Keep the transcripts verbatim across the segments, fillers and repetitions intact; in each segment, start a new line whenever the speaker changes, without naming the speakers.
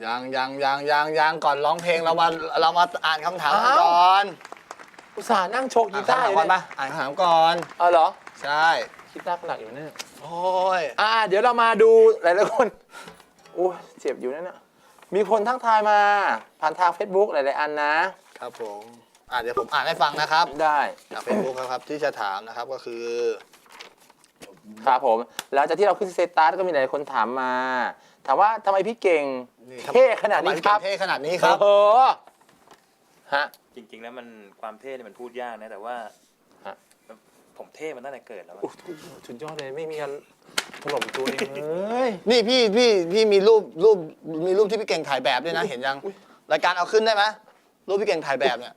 ยังยังยังยังยังก่อนร้องเพลงเรามาเรามาอ่านคำถามกันก่อน
อุตส่าห์นั่งโชกกี
อ่าน
ตาร์
คำถาม
อยู่
ก่อน
เนี่ย
ปะอ่านคำถามก่อน
อ๋อเหรอ
ใช่
กีตาร์หนักอยู่เนี่ย
โอ้ย
อ่าเดี๋ยวเรามาดูหลายๆคนโอ้ยเจ็บอยู่นั่นน่ะมีคนทักทายมาผ่านทาง Facebook หลายๆอันนะครับ
ผมอ่าเดี๋ยวผมอ่านให้ฟังนะครับ
ได้
จากเฟซบุ๊กครับที่จะถามนะครับก็คือ
ครับผมหลังจากที่เราขึ้นสเตตัสก็มีหลายคนถามมา ถามว่าทำไมพี่เก่งเท่ขนาดนี้ครับ
เท่ขนาดนี้ครับ
โอ้โหฮะ
จริงๆแล้วมันความเท่เนี่ยมันพูดยากนะแต่ว่า
ฮะ
ผมเท่มันตั้งแต่เกิดแล้วอะ
โอ้โหสุดยอดเลยไม่มีการถล่มตัวเองเลย
นี่พี่พี่พี่มีรูปรูปมีรูปที่พี่เก่งถ่ายแบบด้วยนะเห็นยังรายการเอาขึ้นได้ไหมรูปพี่เก่งถ่ายแบบเนี่ย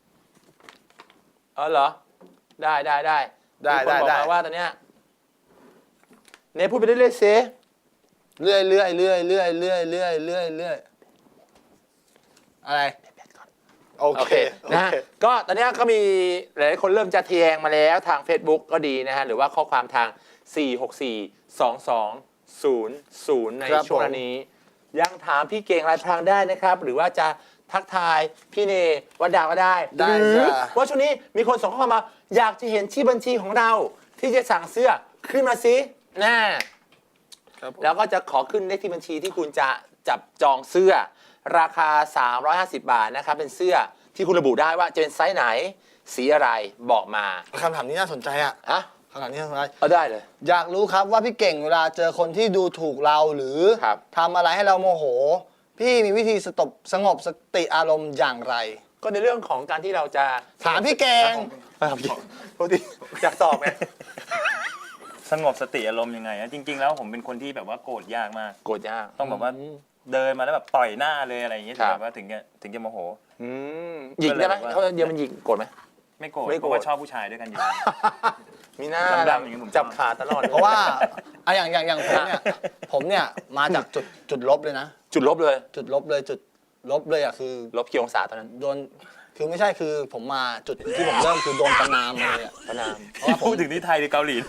เออเหรอได้ได้ได้
ได้
มีคนบอก
ได้
มาว่าตอนเนี้ยเนพูดไปเรื่อยๆเซ
เรื่อยเรื่อยเรื่อยเรื่อยเรื่อยเรื่อยเรื่อยเรื่อยอะไรโอ
โอ
เค
เคนะฮะก็ตอนเนี้ยก็มีหลายๆคนเริ่มจะแทงมาแล้วทาง Facebook ก็ดีนะฮะหรือว่าข้อความทาง สี่ หก สี่ สอง สอง ศูนย์ ศูนย์ ในช่วงนี้ ยังถามพี่เก่งลายพรางได้นะครับ หรือว่าจะทักทายพี่เนวัดดาวก็ได้
ได้
หรือ
จ้ะ
ว่าช่วงนี้มีคนส่งข้อความมา อยากจะเห็นชื่อบัญชีของเรา ที่จะสั่งเสื้อขึ้นมาสิแน่
ครับผม
แล้วก็จะขอขึ้นเลขที่บัญชีที่คุณจะจับจองเสื้อ ราคา สามร้อยห้าสิบ บาทนะครับเป็นเสื้อที่คุณระบุได้ว่าจะเป็นไซส์ไหน สีอะไรบอกมา
คำถามนี้น่าสนใจอ่ะ
ฮะ
คำถามนี้น่าสนใจ
เอาได้เลย
อยากรู้ครับว่าพี่เก่งเวลาเจอคนที่ดูถูกเราหรือ
ครับ
ทำอะไรให้เราโมโห พี่มีวิธีสตบสงบสติอารมณ์อย่างไร
ก็ในเรื่องของการที่เราจะ
ถามพี่เก่ง
ครับพี่ปกติอยากตอบไง
สงบสติอารมณ์ยังไงอะจริง ๆ แล้วผมเป็นคนที่แบบว่าโกรธยากมาก
โกรธยาก
ต้องแบบว่าเดินมาแล้วแบบต่อยหน้าเลยอะไรอย่างเงี้ย
ครั
ถึง
บ
แบบว่าถึงจะถึงจะโมโห
อืมหยิกได้ไหม
ก็เลยแบบว่า
เขาเดียวมันหยิกโกรธไหม
ไม่โกรธ
ไม่โกรธ
เพราะว่าชอบผู้ชายด้วยกันอยู่
มีหน้า
ดำๆอย่างนี้ผมชอบ
จับขาตลอด
เพราะว่าอะอย่างอย่างอย่างผมเนี่ยผมเนี่ยมาจากจุดจุดลบเลยนะ
จุดลบเลย
จุดลบเลยจุดลบเลยอ่ะคือ
ลบกี่องศาตอนนั้น
โดนคือไม่ใช่คือผมมาจุดที่ผมเริ่มคือโดนประนามเลยอ่ะ
พระนาม
เพราะว่าผม
พูดถึงที่ไทยหรือเกาหลี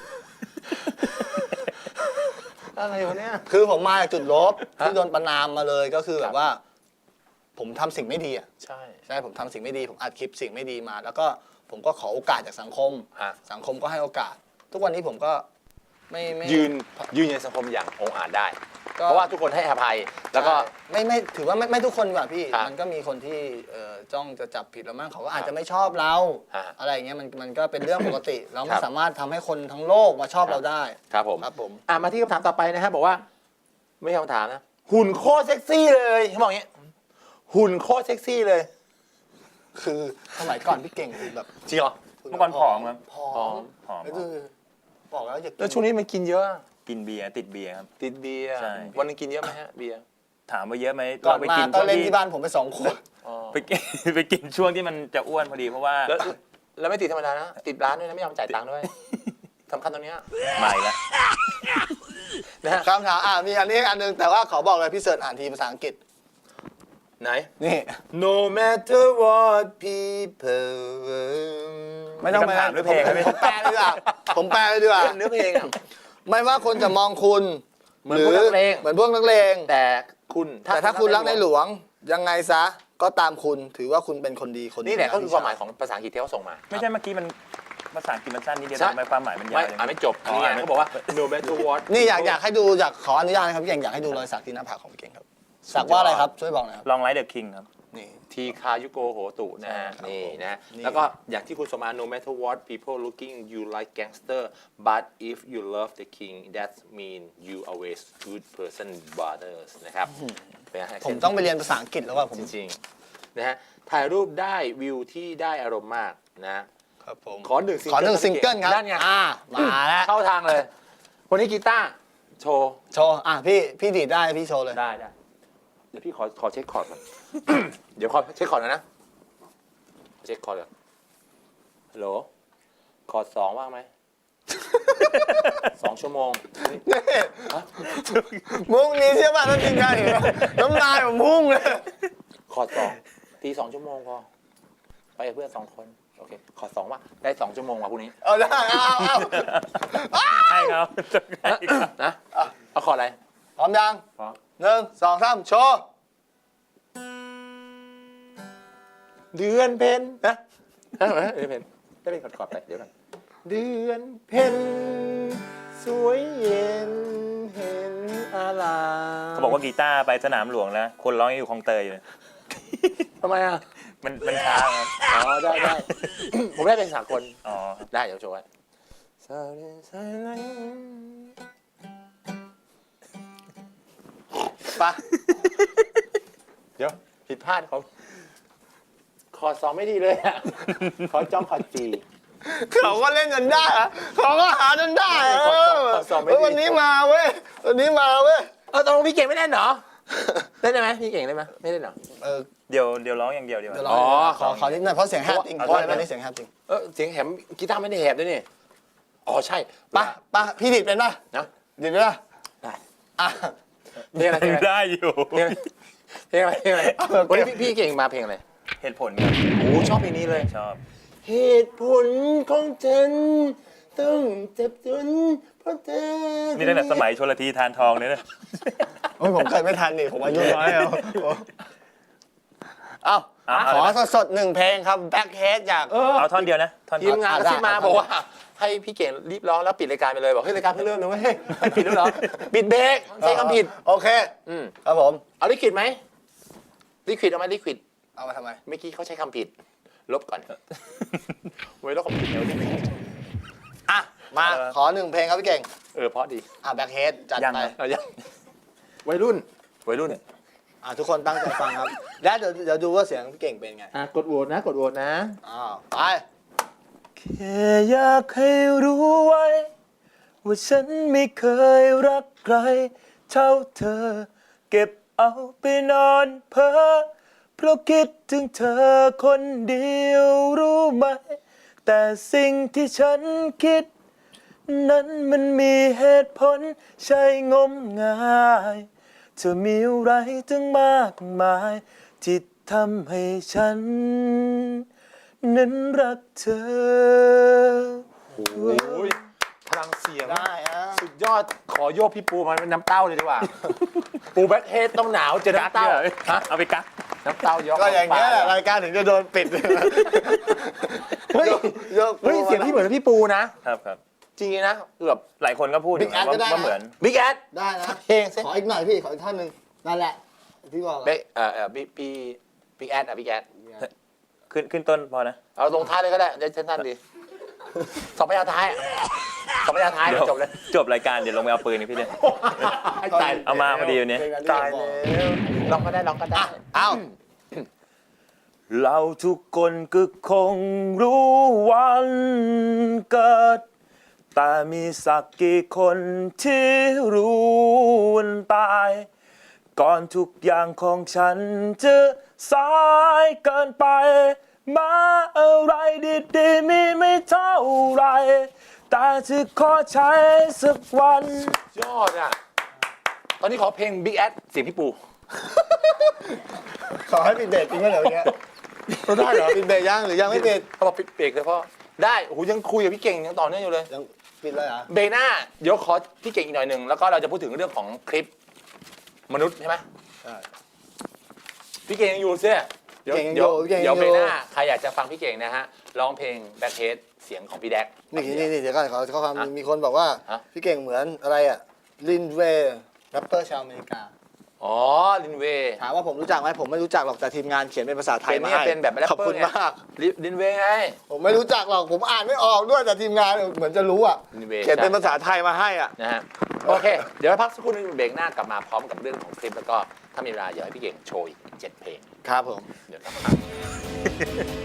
อะไรวะเนี่ย
คือผมมาจากจุดลบ
ฮะ
ที่โดนประนามมาเลยก็คือ
ค
แบ
รับ
บว่า ผมทำสิ่งไม่ดีอ่ะ
ใช่
ใช่ผมทำสิ่งไม่ดีผมอัดคลิปสิ่งไม่ดีมา แล้วก็ผมก็ขอโอกาสจากสังคม
ฮะ
สังคมก็ให้โอกาส ทุกวันนี้ผมก็ไม่ไม่
ยืนยืนในสังคมอย่างองอาจได้
ก็
เพราะว่าทุกคนให้อภัย แล้วก็
ใช่ไม่ไม่ถือว่าไม่ไม่ทุกคนแบบพี่
ครับ
มันก็มีคนที่เอ่อจ้องจะจับผิดเรามั่งเขาก็อาจจะไม่ชอบเรา
ฮะ
อะไรอย่างเงี้ยมันมันก็เป็นเรื่องปกติ เรา
ค
ไม่
รับ
สามารถทำให้คนทั้งโลกมาชอบเราได้
ครับผม
ครับผม
อ่ะมาที่คำถามต่อไปนะฮะบอกว่า ไม่ใช่คำถามนะ หุ่นโคตรเซ็กซี่เลยเขาบอกอย่างเงี้ยหุ่นโคตรเซ็กซี่เลย
คือสมัยก่อนพี่เก่งแบบ
จริงเหรอ
เมื่อก่อนผอมครับ
ผอ
ผอ
ม
ม
ผอม
ก็คือบอกแล้วอย่ากิน
แล้วช่วงนี้มันกินเยอะ
กินเบียร์ติดเบียร์ครับ
ติดเบียร์
ใช่
วันหนึงกินเยอะไหมฮะเบียร์
ถามว่าเยอะไหม
ก่อน
ไป
มา
กิน
ก็
ช่วง
เล่น
ที่
ที่บ้านผมไปสองขวด
อ๋อ
ไปกิน ไปกินช่วงที่มันจะอ้วนพอดีเพราะว่า
แล้วแล้วไม่ติดธรรมดานะ ติดร้านด้วยนะไม่ยอมจ่ายตังค์ด้วยสำคัญตรงเนี้ย
ใหม่ละ
นะฮะ
คำถามอ่ะมีอันนี้อันหนึงแต่ว่าขอบอกเลยพี่เสิร์ชอ่านทีภาษาอังกฤษ
ไหน
นี่
No matter what people
ไม่ต้อง
มีคำถามหรือเพลงครับพี่
ผมแปลเลยดีกว่าผมแปลเลยดีกว่า
เนื้อเพลงอะ
ไม่ว่าคนจะมองคุณ
เหมือนพวกนักเลง
เหมือนพวกนักเลง
แต่คุณ
แต่ถ้าคุณรักในหลวงยังไงซะก็ตามคุณถือว่าคุณเป็นคนดีคนดี
นี่แหละก็คือความหมายของภาษาอังกฤษที่เขาส่งมา
ไม่ใช่เมื่อกี้มันภาษาอังกฤษมันสั้นนิดเดียว
ใช่
ทำไมความหมายมันยา
ไม่
วจัง
อ่านไม่จบ
อ๋อ
นี่ไง
อ่านไม่
เขาบอกว่า no matter what
นี่อยากอยากให้ดูอยากขออนุญาตนะครับพี่เก่งอยากให้ดูรอยสักที่หน้าผากของพี่เก่งครับสักว่าอะไรครับช่วยบอกหน่อยครับ
ลองไลท์เดอะคิงครับ
นี่
ทีคายุโกโหตุนะฮะ
ใช่ครับ
นี่นะ
นี่
แล้วก็อย่างที่คุณสมมา no matter what people looking you like gangster but if you love the king that mean you always good person brothers นะครับเป็นไงฮะ
ผมต้องไปเรียนภาษาอังกฤษแล้วว่าผม
จริงๆนะฮะถ่ายรูปได้วิวที่ได้อารมณ์มากนะครับ
ผม
ขอหนึ่งซิง
ขอ
เกิล
หนึ่งซิงเกิลครับ
นั่นไง
อ่ามาแล้ว
เข้าทางเลยวันนี้กีตาร์โชว์
โชว์อ่ะพี่พี่ดีดได้พี่โชว์เลย
ได้ได้เดี๋ยวพี่ขอขอเช็คคอร์ดก่อน เดี๋ยวขอเช็คคอร์ดหนะนะ เช็คคอร์ดก่อนฮัลโหลคอร์ดสองว่างไหม สองชั่วโมง
นี่มุ้งนี้ใช่ป่ะถ้าทีมงานเห็นนะน้ำลายผมพุ่งเลย
คอร์ดสองตีสองชั่วโมงพอไปกับเพื่อนสองคนโอเคคอร์ดสองว่าได้สองชั่วโมงว่ะพรุ่งนี้
เอาได้เอาเอาเอา
ให้เขาให้เขา
นะเอาคอร์ดอะไร
พร้อมยัง
พร้อม
หนึ่งสองสามโชว์
เดือนเพ็ญนะเดือนเพ็ญได้เป็นกอดๆไปเดี๋ยวกันเดือนเพ็ญสวยเย็นเห็นอาราม
เขาบอกว่ากีตาร์ไปสนามหลวงแล้วคนร้องยังอยู่คลองเตยอยู่เลย
ทำไมอ่ะ
มันมันช้าครับ
อ๋อได้ได้ ผมได้เป็นสากล
อ๋อ
ได้เดี๋ยวโชว์ไว้ปะเดี๋ยวผิดพลาดเขาคอซ้อมไม่ดีเลยอ่ะขอจ้องขอจี
เขาก็เล่นจนได้อะเขาก็หาจนได้อะ
ขอ
เอ
สอบ
อ
ขอสอบไม่ดี
เฮ้ยวันนี้มาเว้ยวันนี้มาเว้ย
เออตกลงพี่เก่งไม่เล่นเหรอเล่นได้ไหมพี่เก่งเล่นไหมไม่เล่นเหรอ
เออ
เดี๋ยวเดี๋ยวร้องอย่างเดียวดีกว่า
เดี๋ยวร
อ๋อ
ขอขอนิดหน่อยเพราะเสียงแหบจริง
เอา
เพราะ
เอา
อะไรไม่ได้เสียงแหบจริง
เออเสียงแหบกีตาร์ไม่ได้แหบด้วยนี่อ๋อใช่
ปะปะพี่ดิดเป็นปะ
นะ
ดิดเป็นปะ
ได้
อ่ะ
เพลงอะไรเพลงอะไร
ได้อยู่
เพลงอะไรเพลงอะไรเพลงอะไรวันนี้พี่พี่เก่งมาเพลงอะไร
เหตุผลครับ
โอ้ชอบเพลงนี้เลย
ชอบ
เหตุผลของฉันต้องเจ็บจนเพราะเธอ
นี่ตั้งแต่สมัยชลทีทานทองเนี่ยนะ
โอ้ยผมเกิดไม่ทันนี่ผมอายุน้อยแล้วเอ้า
เอา
ขอ
เอาเลยนะ
สดๆหนึ่งเพลงครับ Backhead จาก
เออ
เอาท่อนเดียวนะท่อน
ที
เดียว
มงานกระซิบมาบอกว่าให้พี่เก่งรีบร้องแล้วปิดรายการไปเลยบอกเฮ้ยรายการเพิ่งเริ่มนะเว้ยให้ปิดแล้วเหรอปิดเบรกใช้คำผิด
โอเค
อืม
ครับผม
เอาลิควิดไหมลิควิดเอาไหมลิควิด
เอามาทำไม
เมื่อกี้เขาใช้คำผิด ลบก่อนไว้ลบคำผิดเดี๋ยวนี้
อ่ะ มา
เออ
ขอหนึ่งเพลงครับพี่เก่ง
เออเพราะดี
อ่ะ Backhead จัด
ยัง
ไป
ครับ
เอายังวัยรุ่นวัยรุ่น
อ่ะทุกคนตั้งใจฟังครับ และเดี๋ยวเดี๋ยวดูว่าเสียงพี่เก่งเป็นไง
อ่ะกดโหวตนะกดโหวตนะ
อ้าวไป
แค่อยากให้รู้ไว้ ว่าฉันไม่เคยรักใคร เท่าเธอ เก็บเอาไปนอนเพ้อเพราะคิดถึงเธอคนเดียวรู้ไหม แต่สิ่งที่ฉันคิด นั้นมันมีเหตุผลใช่งมงายเธอมีอะไรตั้งมากมาย ที่ทำให้ฉัน นั้นรักเธอ
โอ้ยพลังเสียง
ได้อ่ะ
สุดยอดขอโยกพี่ปูมาเป็นน้ำเต้าเลยดีกว่า ปูแบ็คเฮดต้องหนาวเจอน้ำเต้าฮะ
เอาไปกัก
น้ำเต้ายก
ก็อย่างเงี้ยแหละรายการถึงจะโดนปิด
เฮ้ย
ยก
เฮ้ยเสียงพี่เหมือนพี่ปูนะ
ครับครับ
จริงๆนะเกือบ
หลายคนก็พูดอยู่
Big Ass
ว่า
ก็ได้นะ
ว่าเหมือน
บิ๊กแอด
ได้นะ
เพลงสิ
ขออีกหน่อยพี่ ขออีกท่อนหนึ่งนั่นแหละพี่บอก
เบ๊เอ่อเอ่อบิ๊กพี่บิ๊กแอดอ่ะบิ๊กแอด
ขึ้นขึ้นต้นพอนะ
เอาลงท้ายเลยก็ได้เดี๋ยวสั้นๆดีสองพยางค์ท้ายอะสองพยางค์ท้าย
เดี๋ยว
จบเลย
จบรายการเดี๋ยวลงไปเอาปืนนี่พี่เนี่ย
ให้ตาย
เอามาพอดีวันนี้
ตายแล้วลองก็ได้ลองก็ได้
เอ้า
เราทุกคนก็คงรู้วันเกิด แต่มีสักกี่คนที่รู้วันตาย ก่อนทุกอย่างของฉันจะสายเกินไป มาอะไรดีๆมีไม่เท่าไร แต่จะขอใช้สักวัน
ยอดอ่ะ ตอนนี้ขอเพลง Big Ad เสียงพี่ปู
ขอให้ปิดเบรกจริงไหมเดี๋ยวเนี้ย
ได้เหรอ
ปิดเบรกยังหรือยังไม่ปิด
เขาบอกปิดเบรกเลยพ่อได้โอ้โหยังคุยกับพี่เก่งยังต่อเนื่องอยู่เลย
ยังปิดเลยเหรอ
เบรกหน้าเดี๋ยวขอพี่เก่งอีกหน่อยหนึ่งแล้วก็เราจะพูดถึงเรื่องของคลิปมนุษย์ใช่ไหม
ใช่
พี่เก่งยังอยู่เสียเดี๋ยว
เก่งยัง
เดี๋ยว
อยู่เก่งยัง
เดี๋ยวเบรกห
อยู่
น้าใครอยากจะฟังพี่เก่งนะฮะร้องเพลงแบ็คเฮดเสียงของพี่แดก
นี่นี่นี่เดี๋ยวก่อนขอข้อความ
ฮะ
มีคนบอกว่า
ฮะ
พี่เก่งเหมือนอะไรอ่ะลินเวย์แรปเปอร์ชาวอเมริกา
อ๋อลินเวย์
ถามว่าผมรู้จักไหมผมไม่รู้จักหรอกแต่ทีมงานเขียนเป็นภาษาไทย
เป็น
มา
เนี่ย
ให้
เป็นแบบแรป
ขอบ
เปอ
คุ
ร์
ณ
ไง
มาก
ลินเวย์ไง
ผมไม่รู้จักหรอกผมอ่านไม่ออกด้วยแต่ทีมงานเหมือนจะรู้อ่ะ
ลินเวย์
เขียนเป็นภาษาไทยมาให้อ่ะ
นะฮะโอเค เดี๋ยวพักสักครู่หนึงเบรกหน้ากลับมาพร้อมกับเรื่องของคลิปแล้วก็ถ้ามีเวลาอยากให้พี่เก่งโชว์อีกเจ็ดเพลง
ครับผม
เดี๋ยวกลับมา